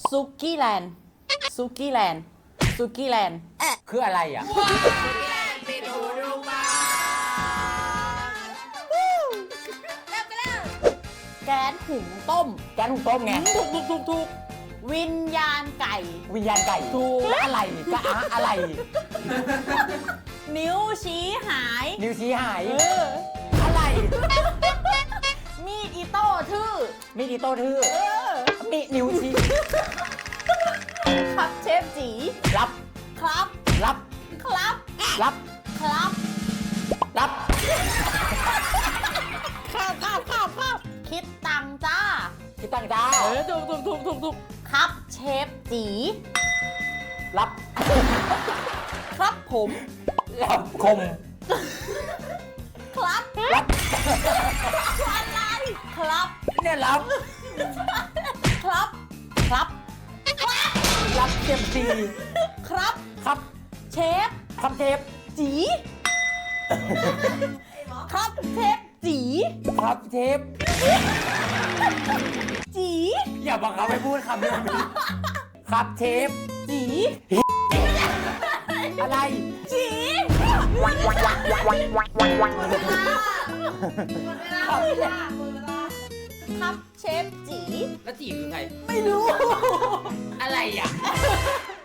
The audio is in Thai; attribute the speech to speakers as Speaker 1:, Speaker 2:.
Speaker 1: ซุกี้แลนด์ซุกี้แลนด์ซุกี้แลนด์
Speaker 2: คืออะไรอ่ะ
Speaker 1: แก๊สหุงต้ม
Speaker 2: แกงหุงต้มไง
Speaker 1: ถูกวิญญาณไก่
Speaker 2: วิญญาณไก่
Speaker 1: ถูก
Speaker 2: แล้วอะไรจะอะไร
Speaker 1: นิ้วชี้หาย
Speaker 2: นิ้วชี้หาย
Speaker 1: เออ
Speaker 2: อะไร
Speaker 1: มีดอิโต้ทื่อ
Speaker 2: มีดอิโต้ทื่อ
Speaker 1: เออ
Speaker 2: มีนิ้วชี้
Speaker 1: ครับเชฟจี
Speaker 2: รับ
Speaker 1: ครับ
Speaker 2: รับ
Speaker 1: ครับ
Speaker 2: รับ
Speaker 1: ครับ
Speaker 2: รับ
Speaker 1: ครับคิดตังค์จ้า
Speaker 2: คิดตังค์จ้า
Speaker 1: ถูกครับเชฟจี
Speaker 2: รับ
Speaker 1: ครับผม
Speaker 2: รับคม
Speaker 1: ครับ
Speaker 2: รับ
Speaker 1: อะไรครับ
Speaker 2: เนี่ยรับ
Speaker 1: ครับครับ
Speaker 2: รับเต็มที
Speaker 1: ครับ
Speaker 2: ครับ
Speaker 1: เชฟ
Speaker 2: ครับเทป
Speaker 1: จีครับเชฟจี
Speaker 2: ครับเทป
Speaker 1: จี
Speaker 2: อย่าบังคับให้พูดคำนี้ครับเทป
Speaker 1: จี
Speaker 2: อะไร
Speaker 1: จีครับเชฟจี
Speaker 3: แล้วจีบคือใคร
Speaker 1: ไม่รู้
Speaker 3: อะไรอ่ะ